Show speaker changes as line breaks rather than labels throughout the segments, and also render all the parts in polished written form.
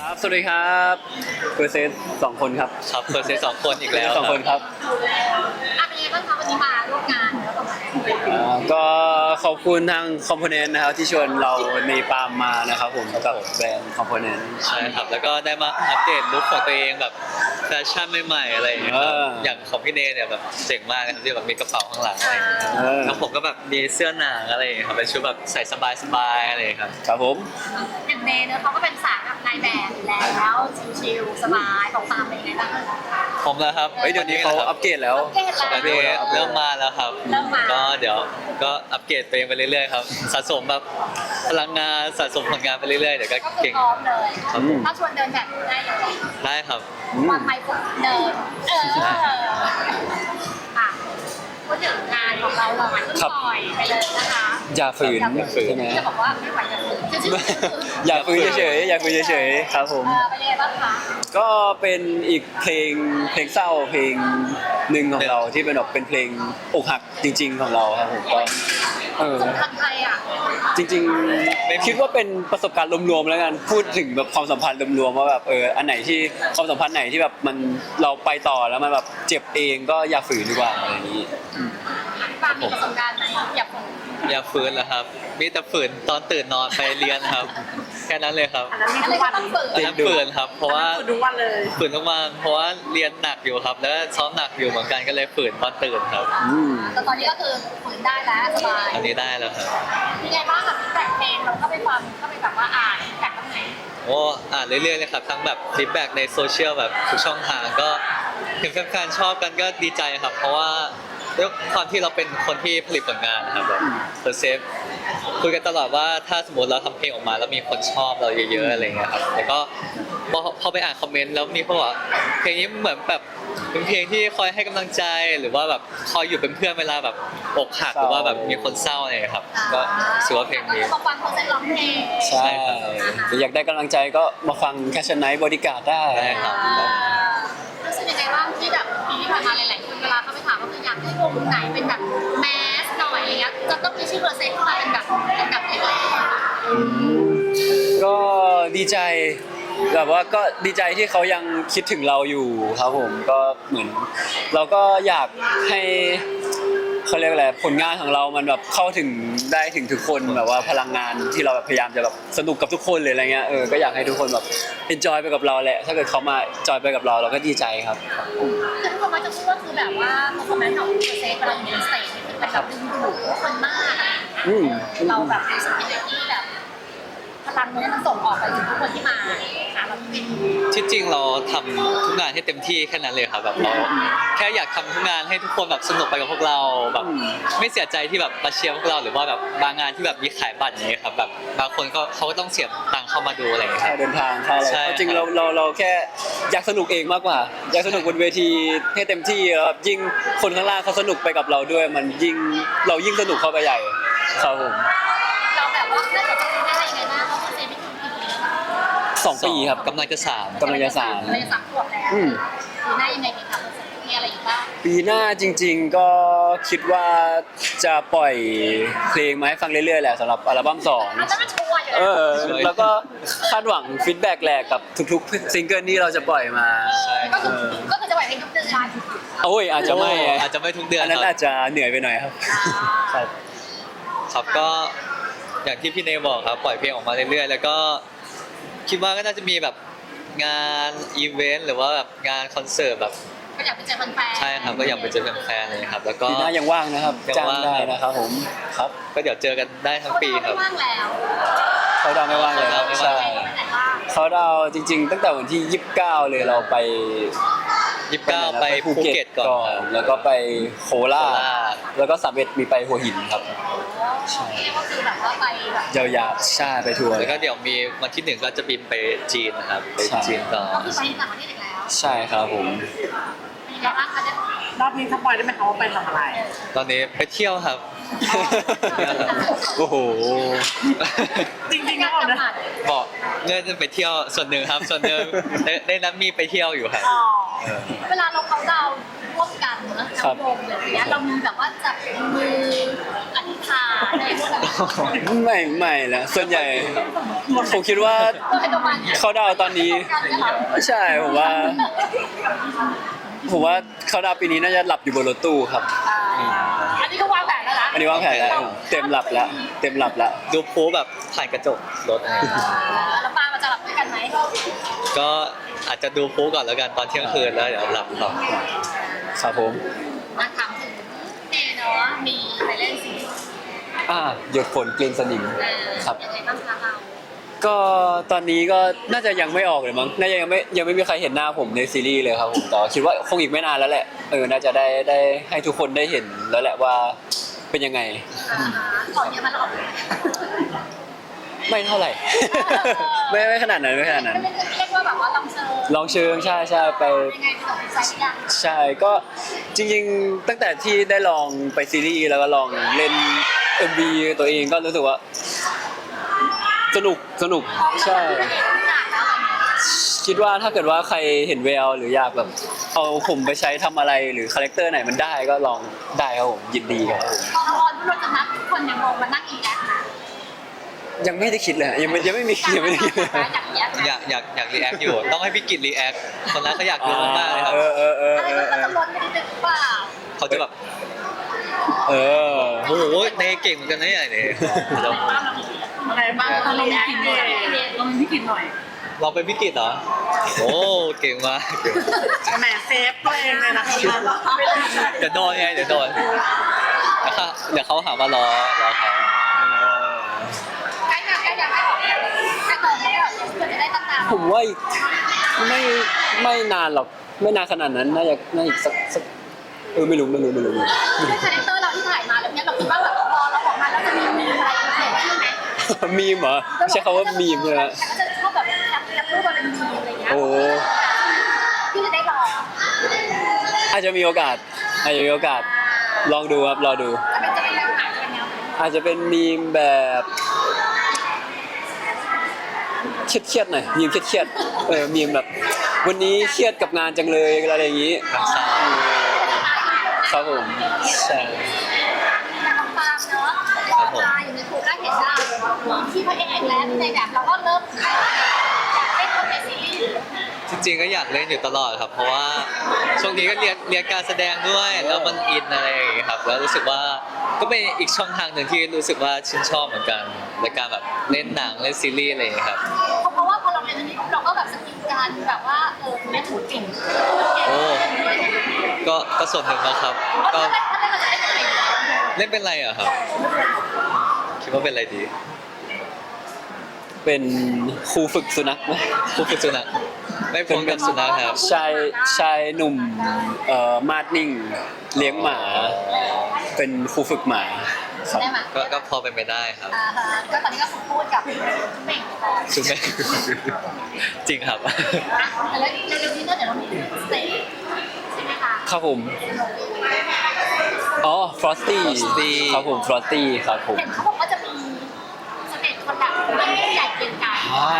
ครับสวัสดีครับเปอร์เซนต์สองคนครับ
ครับเฟิร์สเซต2 คนอีกแล้ว
สองคนครับ
เป็นยังไงบ้างคะวันนี้มาร่วมงานแล้วก็
ก็ขอบคุณทางคอมโพเนนต์นะครับที่ชวนเราในปาล์มมานะครับผมกับแบรนด์คอมโพเนนต์
ใช่ครับแล้วก็ได้มาอัปเดตลุคของตัวเองแบบแฟชั่นใหม่ๆอะไรอย่างเงี้ยครับอย่างของพี่เนเนี่ยแบบเจ๋งมากนะครับที่แบบมีกระเป๋าข้างหลังอะไรอย่างเงี้ยแล้วผมก็แบบมีเสื้อหนังอะไรอย่างเงี้ยครับเป็นชุดแบบใส่สบายๆอะไรอย่างเงี้ยครับ
ครับผม
อย่างเนเนอะเขาก็เป็นสายแบบนายแบบอยู่แล้วชิลๆสบายของตามเป็นยังไงบ้าง
ผมแล้วครับ
เดี๋ยวนี้เขาอัปเกรดแล้ว
อัปเดตเริ่มมาแล้วครับ
เริ่มมา
ก็เดี๋ยวก็อัปเกรดตัวเองไปเรื่อยๆครับสะสมแบบพลังงานสะสมผลงานไปเรื่อยๆเดี๋ยวก็
ก็คือ
เก่ง
พร้อมเลย
ครับผม
ถ้าชวนเดินแบบได้เลย
ได้ครับ
วันไปฝึกเดินค่ะพูดถึงงานของเราเราเพิ่งปล่อยไปเลยนะคะ
อย่าฝืนใช่ไหม
จะบอกว่าไม่ไหวอย่าฝืน
อย่าฝืนเฉยๆอย่าฝืนเฉยๆครับผม
เป็นยังไงบ้างคะ
ก็เป็นอีกเพลงเศร้าเพลงหนึ่งของเราที่เป็นแบบเป็นเพลงอกหักจริง ๆ ของเราครับผมก็
สำคัญใครอ่ะ
จริงๆคิดว่าเป็นประสบการณ์รวมๆแล้วกันพูดถึงแบบความสัมพันธ์รวมๆว่าแบบอันไหนที่ความสัมพันธ์ไหนที่แบบมันเราไปต่อแล้วมันแบบเจ็บเองก็อย่าฝืนดีกว่าอะไรอย่างนี้
ปามีประสบการณ์ไหมอย่าฝืน
อย่าฝืนแล้วครับ มีแต่ฝืนตอนตื่นนอนไปเรียนครับ แค่นั้นเลยครับ
อันนั้นมีทุกวันต้องฝืน
อันนั้นฝืนครับ เพราะว่า
ทุกวันเลย
ฝืนทุกวันเพราะว่าเรียนหนักอยู่ครับ แล้วซ้อมหนักอยู่เหมือนกันก็เลยฝืนตอนตื่นครับ
แต่ตอนนี้ก็คือฝืนได้แล้วสบาย
อันนี้ได้แล้วครับ
ยังไงบ้างกับแต่งเพลงเราก็ไปฟังก็ไปแบบว่าอ่านแต่งตรงไหน
โอ้อ่านเรื่อยๆเลยครับ ทั้งแบบฟีดแบ็กในโซเชียลแบบทุกช่องทางก็เห็นแฟนๆชอบกันก็ดีใจครับ เพราะว่าด้วยความที่เราเป็นคนที่ผลิตผลงานนะครับแบบเพอร์เซฟคุยกันตลอดว่าถ้าสมมติเราทำเพลงออกมาแล้วมีคนชอบเราเยอะๆอะไรเงี้ยครับแต่ก็พอไปอ่านคอมเมนต์แล้วมีคนบอกว่าเพลงนี้เหมือนแบบเป็นเพลงที่คอยให้กำลังใจหรือว่าแบบคอยอยู่เป็นเพื่อนเวลาแบบอกหักหรือว่าแบบมีคนเศร้าอะไรอย่างเงี้ยครับก็รู้สึกว่าเพลงนี้
มาฟังเขาเซ็นร้องเพลง
ใช่หรืออยากได้กำลังใจก็มาฟังแคชไนท์บอดี้การ์ดได้
ได้ครับ
รู้สึกยังไงบ้างที่แบบปีที่ผ่านมาหลายๆคนเวลาเขาไปถามว่าคืออยากให้วงไหนเป็นแบบแมสหน่อยอะไรเงี้ยจะต้องมีชื่อเบอร์เซ็นต์เข้ามาเป็นแบบแรก
ก็ดีใจแบบว่าก็ดีใจที่เขายังคิดถึงเราอยู่ครับผมก็เหมือนเราก็อยากให้เขาเรียกอะไรผลงานของเรามันแบบเข้าถึงได้ถึงทุกคนแบบว่าพลังงานที่เราแบบพยายามจะแบบสนุกกับทุกคนเลยอะไรเงี้ยก็อยากให้ทุกคนแบบเอนจอยไปกับเราแหละถ้าเกิดเขามาจอยไปกับเราเราก็ดีใจครับ
ๆคือทุกคนมักจะพูดว่าคือแบบว่าคอมเมนต์ของเบอร์เซ็นต์เวลาอยู่ในสเตจนี่คือเป็นแบบดึงดูดทุกคนมากอะไรอย่างเงี้ย
อืม
เราแบบรู้สึกยังไงที่แบบพลังนี้มันส่งออกไปถึงทุกคนที่มาหาเราที่
ที่จริงเราทำทุกงานให้เต็มที่แค่นั้นเลยครับแบบเราแค่อยากทำทุกงานให้ทุกคนแบบสนุกไปกับพวกเราแบบไม่เสียใจที่แบบมาเชียร์พวกเราหรือว่าแบบบางงานที่แบบมีขายบัตรอย่างเงี้ยครับแบบบางคนเขาก็ต้องเสียตังค์เข้ามาดูอะไรอย่างเงี้ยค
ค่า
รับ
เดินทางค่าอะไร
ใช่
จริง
ครับ
เราแค่อยากสนุกเองมากกว่า อยากสนุกบนเวทีให้เต็มที่แล้วแบบยิ่งคนข้างล่างเขาสนุกไปกับเราด้วย มันยิ่งเรายิ่งสนุกเข้าไปใหญ่ครับผม
เราแบบว่าได้แบบได้ยังไงบ้างเพราะว่าเซไม่ถึงกี่ปีแล้วค่ะ
2 ปีครับ
กำลังจะ3
กำลังจะสาม
เราจะ3 ขวบแล้ว
อืม
ปีหน้ายังไงดีครับมีอะไรอีกบ้าง
ปีหน้าจริง ๆก็คิดว่าจะปล่อยเพลงมาให้ฟังเรื่อยๆแหละสำหรับอัลบั้ม2
อาจจะไม่ชัวร์อยู่แล้ว
แล้วก็คาดหวังฟีดแบ็กแหละกับทุกๆซิงเกิลที่เราจะปล่อยมา
ก็คือจะไหวเพลงทุกเดือน
โอ้ยอาจจะไม่
อาจจะไม่ทุกเดือน
อันนั้น
ครั
อา
บ
จจะเหนื่อยไปหน่อยครับครับ
ครับก็อย่างที่พี่เนยบอกครับปล่อยเพลงออกมาเรื่อยๆแล้วก็คิดว่าก็น่าจะมีแบบงานอีเวนต์หรือว่าแบบงานคอนเสิร์ตแบบ
ก็อยากไปเจอแฟนๆ
ใช่ครับก็อยากไปเจอแฟนๆเลยครับแล้วก็
ปีหน้ายังว่างนะครับ
ยัง
จ้าง
ว่าง
ได้นะครับผมครับ
ก็เดี๋ยวเจอกันได้ทั้งปีครับ
ไม่ว่างแล้ว
เขาดาวน์ไม่ว่างเลยครับ
ไม่ว่าง
ใช่
ไปไหนบ้าง
เขาดาวน์จริง ๆ ตั้งแต่วันที่ 29 เลยเราไป
29ไปภูเก็ตก่อนครับ
แล้วก็ไปโคราช
โคราช
แล้วก็31มีไปหัวหินครับ
ใช่ก็คือแบบว่าไปแบบ
ยาวๆใช่ไปทัวร์
แล้วก็เดี๋ยวมีวันที่1ก็จะบินไปจีนนะครับไป
ใช่
จีนต่อ
ก็คือไปต่างประเทศอีกแล้ว
ใช่ครับผม
เป็นยังไงบ้างคะเนี่ย
รอบนี้สปอยได้ไหมคะว่าไปทำอะไร
ตอนนี้ไปเที่ยวครับ
โอ้โห
จริงๆนะบอกนะ
บอกเงินไปเที่ยวส่วนหนึ่งครับ ส่วนหนึ่งได้นัดมีไปเที่ยวอยู่ครับ
อ๋อ
เออ
เวลาเราเขาดาวน์ร่วมกันเนอะ
ครับ
วงเลยอย่างเงี้ยเรามีแบบว่าจับมืออธิษฐานอะไรพวกนั้น
ไม่แล้วส่วนใหญ่ผมคิดว่า
ตัวใครตัวมัน
เขาดาวน์ตอนนี้
กันเนี่ยเหรอ
ไม่ใช่ผมว่าเขาดาวน์ปีนี้น่าจะหลับอยู่บนรถตู้ครับ
อันนี้ก็วางแผนแล้วนะ
อันนี้วางแผนแล้วเต็มหลับแล้ว
ดูโพสแบบผ่านกระจกรถอะไรอย่างเงี้ย
แล้วปามันจะหลับด้วยกันไหม
ก็อาจจะดูโพสก่อนแล้วกันตอนเที่ยงคืนแล้วเดี๋ยวหลับต่อ
ครับผม
มาถามถึงเนเนาะมีไปเล่นซีรีส์
หยดฝนกลิ่นสนิมครับ
ยังไงบ้างคะเรา
ก็ตอนนี้ก็น่าจะยังไม่ออกเลยมั้งน่าจะยังไม่มีใครเห็นหน้าผมในซีรีส์เลยครับผมแต่ว่าคิดว่าคงอีกไม่นานแล้วแหละน่าจะได้ให้ทุกคนได้เห็นแล้วแหละว่าเป็นยังไง
ก่อนเยอะมันหรอก
ไม่เท่าไหร่ ไม่ขนาดนั้นไม่ขนาดนั้น
ไม่เรียกว่าแบบว่าลองเชิญ
ลองเชิงใช่ไป
ยังไงถึงใจยัง
ใช่ก็จริงๆตั้งแต่ที่ได้ลองไปซีรีส์แล้วก็ลองเล่น MV ตัวเองก็รู้สึกว่าสนุกใช่ คิดว่าถ้าเกิดว่าใครเห็นแววหรืออยากแบบเอาผมไปใช้ทำอะไรหรือคาแรคเตอร์ไหนมันได้ก็ลองได้ครับผมยินดีครับผม
พอออนเราจะนัดคนในวงมานั่งอีแอคนะ
ยังไม่ได้คิดเลยยังไม่ได้คิดเลย
อยากแอค
อยากรีแอคอยู่ ต้องให้พี่กิตรีแอคคนนั้นเขาอยากดูมากๆเลยครับ
อะไรก็จะล้นไม่ได้เป็นเปล่า
เขาจะแบบ
เออ
โอ้โหเนเก่งเหมือนกันนะเนี่ยเดี๋ยว
อะไรบ้างเราลองกินหน่อยลองพี่กินหน่อย
เราเป็นพี่กิตเหรอโอ้เก่งมาก
แหมเซฟตัวเองเลยนะคะ
เดี๋ยวโดนไงเดี๋ยวโดนเดี๋ยวเขาหาว่ารอเขา
ใกล้อยากให้ออกแต่ก่อนไม่ได้เพื่อจะได้ตั้งนาน
ผมว่าอีกไม่นานหรอกไม่นานขนาดนั้นน่าอีกสักไม่รู้
ด้วยคาแรคเตอร์เราที่ถ่ายมาแล้วเนี้ยเราคิดว่าแบบพอเราออกมาแล้วจะมีอะไรเกิดขึ้นไหม
มีมเหรอใช้คำว่ามีมเลยนะ
ก็จะชอบแบบแคปรูปมาเป็นมีมอะไรเงี้ย
โอ้
ที่จะได้ลอง
อาจจะมีโอกาสลองดูครับรอดู
จะเป็นแนวไหนจะเป็นแนวไหน
อาจจะเป็นมีมแบบเครียดๆหน่อยมีมเครียดๆมีมแบบ วันนี้เครียดกับงานจังเลยอะไรอย่างนี้
น้ำซา
ครับผมใช่
แต่ของปาล์มเนาะพอมาอยู่ในครูก็เห็นได้ที่พระเอกและในแบบเราก็เริ่มอยากเล่นคนในซีรีส์
จริงๆก็อยากเล่นอยู่ตลอดครับ เพราะว่าช่วงนี้ก็เรียนการแสดงด้วยแล้วมันอินอะไรอย่างเงี้ยครับแล้วรู้สึกว่าก็เป็นอีกช่องทางหนึ่งที่รู้สึกว่าชื่นชอบเหมือนกันในการแบบเล่นหนังเล่นซีรีส์อะไรอย่างเงี้ยครับ
เพราะว่าพอเราเรียนอันนี้เราก็แบบสกิลการแบบว่าเล่นหูเก่ง
โอ้ก็ส่วนหนึ่งนะครับ ก็
ถ้าได้เราจะเล่นอะไร
เล่นเป็นอะไรอะครับ คิดว่าเป็นอะไรดี
เป็นครูฝึกสุนัขไหม
ผู้ฝึกสุนัขไม่พ้นกับสุนัขครับ
ชายหนุ่มมาดนิ่งเลี้ยงหมา เป็นครูฝึกหมาครับ
ได้ไหม
ก็พอเป็นไปได้ครับ
ก็ตอนนี้ก็พูดกับเม่งก่อน
สุนัข จริงครับ
แล้วในเรื่องนี้เดี๋ยวเรามีสเตจใช่ไหมคะ
ครับผมอ๋อ Frosty
Frosty
ครับผม Frosty ครับผม
เห็นเขาบอกว่าจะมีสเตจคนแบบใหญ่เกินกัน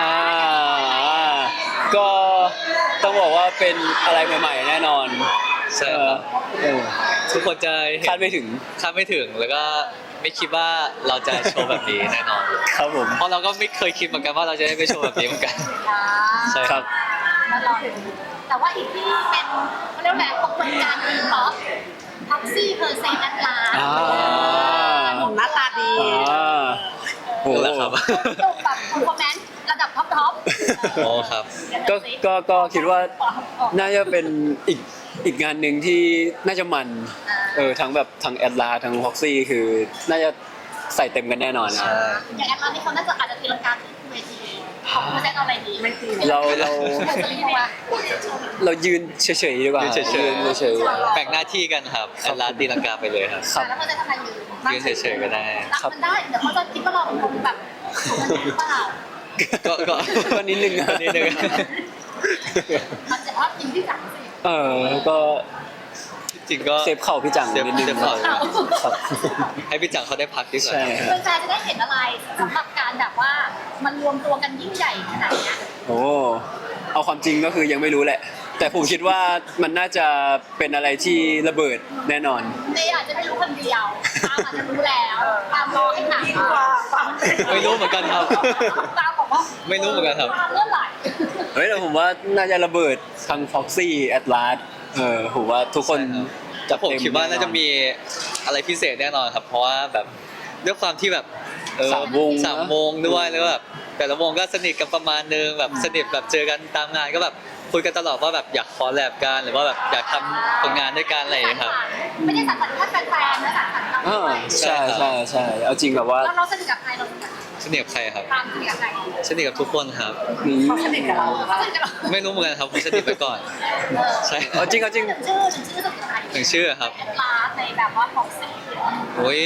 ก็ต้องบอกว่าเป็นอะไรใหม่ๆแน่นอน
ใช่ครับ
เออ
ทุกคนจะเห็น
คาดไม่ถึง
คาดไม่ถึงแล้วก็ไม่คิดว่าเราจะโชว์แบบนี้แน่นอน
ครับผม
เพราะเราก็ไม่เคยคิดเหมือนกันว่าเราจะได้ไปโชว์แบบนี้เหมือนกัน ใช่ครับ
แล้วรอดูแต่ว่าอีกที่เป็นเขาเรียกว่าอะไรปรากฏการณ์อีป๊อปท็อกซี่เพอร์เซนต์อัตลา
หนุ่มหน้าตาดี
โอ้
นั่นแหละครับ
จบแบบคอมเมนต์ระดับท็อป
โอ้ครับ
ก็คิดว่าน่าจะเป็นอีกงานหนึ่งที่น่าจะมันทั้งแบบทั้งแอดลาทั้งฮอกซี่คือน่าจะใส่เต็มกันแน่นอนนะ
ใช่
อย่างแอดลานี่เขาน่าจะอาจจะตีลังกาขึ้นเวทีของเพอร์เซนต์เอาอะไรดีไม่ตี
เรา
จะรีบว่า
เรายืนเฉยๆดีกว่า
ยืนเฉยๆ
ยืนเฉย
แบ่งหน้าที่กันครับแอดลาสตีลังกาไปเลยครับ
ๆครับ
แล้วเพอร์เซนต์ทำอะไรอยู่
ยืนเฉยๆก็ได้
รับมันได้เดี๋ยวเขาจะคิดว่าเราเป็นคนแบบเปล่า
ก็
ก็นิดนึง
ก็นิดนึง
มันจะว่าจริงที่สั่งสิ
ก็
จริงก็
เซฟเข่าพี่จัง
เซฟ
นิดนึง
เซฟเข่า
ครับ
ให้พี่จังเขาได้พักดีกว่า
ใช่ครับ
แฟนๆจะได้เห็นอะไรสำหรับการแบบว่ามันรวมตัวกันยิ่งใหญ่ขนาดเนี้ย
โอ้เอาความจริงก็คือยังไม่รู้แหละ แต่ผมคิดว่ามันน่าจะเป็นอะไรที่ระเบิดแน่นอน
เนยอาจจะไม่รู้คนเดียวตามอาจจะรู้แล้วตามรอให้หนัก
ไม่รู้เหมือนกันครับ
ตามบอกว่า
ไม่รู้เหมือนกันครับ
ตามเมื่อไหร่
เฮ้ยแต่ผมว่าน่าจะระเบิดทาง Foxy Atlas ผมว่าทุกคน
แต่ผมคิดว่าน่าจะมีอะไรพิเศษแน่นอนครับ เพราะว่าแบบด้วยความที่แบบ
สามวงนะ
สามวงด้วยแล้วก็แบบแต่ละวงก็สนิทกันประมาณนึงแบบสนิทแบบเจอกันตามงานก็แบบคุยกันตลอดว่าแบบอยากคอลแลบกันหรือว่าแบบอยากทำผลงานด้วยกันอะไรอย่างเงี้ยครับ
ไม่ได้สังสรรค์แค่แฟนๆนะสังสรรค์เราด้วย
ใช่ใช่ใช่เอาจริงแบบว่า
แล้วเราสนิทกับใครเราสนิทกับ
สนิทกับใครครับ
ตามสนิทกับใคร
สนิทกับทุกคนครับ
เขาสนิทกับเรา
เขาสนิทกับเรา
ไม่รู้เหมือนกันครับผมสนิทไปก่อน ใช่
เอาจริงเอาจริง
ชื่อสนิทกับใคร
ถึงชื่อครับ
แอดลาสในแบบว่าของสี
โอ้ย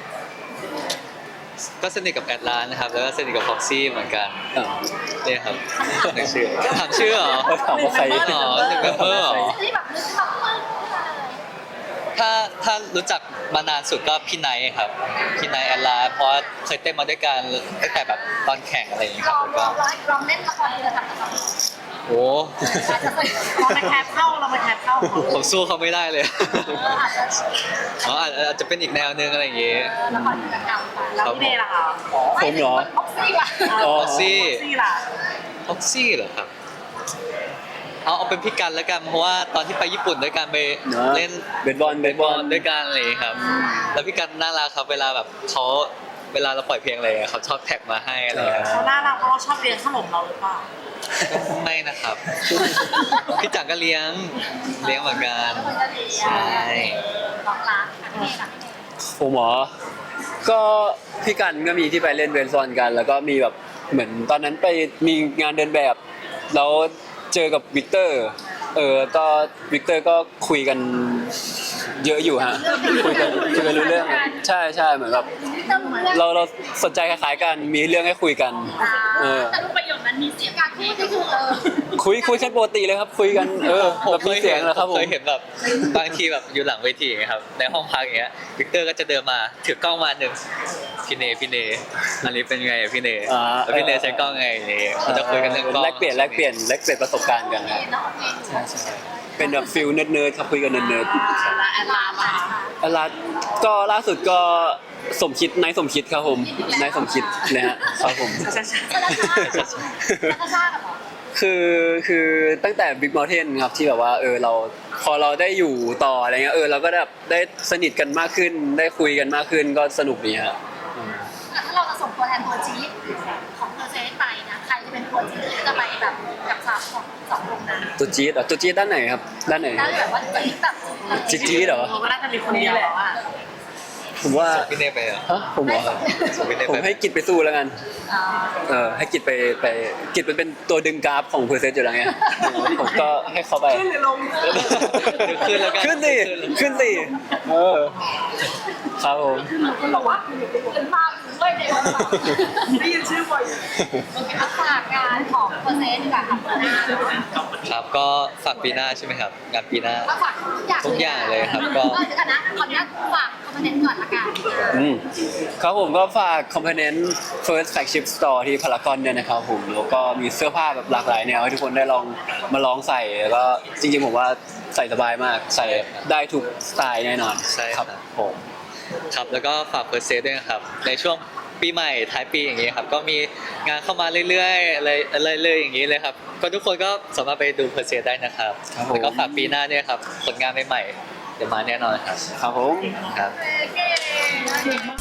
ก็สนิทกับแอดลานนะครับแล้วก็สนิทกับฟ็อกซี่เหมือนกันเนี่ยครับถึงชื่อถามชื่อเหรอ
ถามว่าใคร
อ๋อหนึ่งเมมเบอร์เหรอ
ที่แบบนึกแบบปึ้งขึ้นมาเลย
ถ้ารู้จักมานานสุดก็พี่ไนท์ครับพี่ไนท์แอดลาเพราะว่าเคยเต้นมาด้วยกันตั้งแต่แบบตอนแข่งอะไรอย่างเงี้ย
ล
ครั
อบ ง
แล้ว
ล
ก็
องลองเล่นละครเรือทำกับเรา
โอ้
อาจจะสนิท
เราไปแคปเข้าเราไปแคปเข้า
ผมสู้เขาไม่ได้เลย
อาจจะ
อ๋ออาจจะเป็นอีกแนวนึงอะไรอย่างเงี้ย
ละครเรือทำไป
แล้วพี่เนยล่ะคะ
ผมเหรอ
บ็อกซี่ว่ะ
อ๋อ
ฟ็อกซี่
ซี่ล่ะ
ฟ็อกซี่เหรอครับเอาเป็นพี่กันแล้วกันเพราะว่าตอนที่ไปญี่ปุ่นด้วยกันไปเล่น
เบสบอล
ด้วยกันอะไรอย่างเงี้ยครับ แล้วพี่กันน่ารักครับเวลาแบบเขาเวลาเราปล่อยเพลงอะไรเขาชอบแท็กมาให้อะไรอย่างเงี้ย
เขาน่ารักเพราะเราชอบเรียนขนมเราหรือเปล่า
ไม่นะครับ พี่จังก็เลี้ยงเหมือนกัน
แล้วมันก็ดี
ใช่
ลองรักพี่เนยกับพี่เนย
ผมเหรอก็พี่กันก็มีที่ไปเล่นเบสบอลกัน แล้วก็มีแบบเหมือนตอนนั้นไปมีงานเดินแบบแล้วเจอกับวิกเตอร์ก็วิกเตอร์ก็คุยกันเยอะอยู่ฮะคุยกันรู้เรื่องใช่ใช่เหมือนแบบเราสนใจคล้ายๆกันมีเรื่องให้คุยกัน
แต่รูปประโยคนั้นมีเสียงการพูดที่คือ
คุยกันปกติเลยครับคุยกันแบบมีเสียงนะครับผม
เคยเห็นแบบบางทีแบบอยู่หลังเวทีอย่างเงี้ยครับในห้องพักอย่างเงี้ยวิกเตอร์ก็จะเดินมาถือกล้องมาหนึ่งพี่เนอันนี้เป็นไงอะพี่เนแล้วพี่เนใช้กล้องไงเนี่ยเขาจะคุยกันเรื่องกล้อง
แลกเปลี่ยนประสบการณ์กันครับ
เนาะเพลง
ใช่เป็นแบบฟิลเนิร์ดๆครับคุยกันเนิร์ด
และแอดลามา
ๆอะไรก็ล่าสุดก็สมคิดนายสมคิดครับผมนายสมคิดนะฮะครับผม
ชาชากับหรอ
คือตั้งแต่ Big Mountain ครับที่แบบว่าเราพอเราได้อยู่ต่ออะไรเงี้ยเราก็แบบได้สนิทกันมากขึ้นได้คุยกันมากขึ้นก็สนุกดีฮะ
ถ้าเราจะส่งตัวแทนตัวจี๊ดของเธอเซนไปนะใครจะเป็นตัวจี๊ดจะไปแบบกับสองวงนั้น
ตัวจี๊ดเหรอตัวจี๊ดด้านไหนครับด้านไหน
แล้วแบบว่าจี๊ดแบบ
จี๊ดเหรอ
เราก็น่าจะมีคนเดียวแล้วอ่ะ
ผมว่า
ส่งพี่เนไปเหรอ
ฮะผมเหรอ
ส่งพี่เน
ผม
ไป
ให้กิจไปสู้แล้วกันให้กิจไปกิจเป็นตัวดึงกราฟของเพอร์เซนต์อยู่แล้วไงผมก็ให้เขาไป
ขึ้นหรือลง
เดี๋ยวขึ้นแล้วกัน
ขึ้นสิครับผม
คุณบอกว่าเป็นมาอยู่ด้วยในวันนี้
ได้ยินชื่อบ่อย
โอเคฝากงานของเปอร์เซ็นต์ดีกว่าค่ะปีหน้า
ครับก็ฝากปีหน้าใช่ไหมครับงานปีหน้า
ก็ฝากทุกอย่างเลยครับ
ก็
เดี๋ยวกันนะขออนุญาตฝากคอมเมนต์ก่อนละกัน
ครับผมก็ฝาก Component First Flagship Store ที่พารากอนเนี่ยนะครับผมแล้วก็มีเสื้อผ้าแบบหลากหลายแนวให้ทุกคนได้ลองมาลองใส่แล้วก็จริงๆผมว่าใส่สบายมากใส่ได้ทุกสไตล์แน่นอน
ใช่
ครับผม
ครับแล้วก็ฝากเพอร์เซสด้วยนะครับในช่วงปีใหม่ท้ายปีอย่างนี้ครับก็มีงานเข้ามาเรื่อยๆอะไรเลยอย่างนี้เลยครับก็ทุกคนก็สามารถไปดูเพอร์เซสได้นะครับแล้วก็ฝากปีหน้าเนี่ยครับผลงานใหม่ๆเดี๋ยวมาแน่นอนครับ
ครับผม
ครับ
โอเค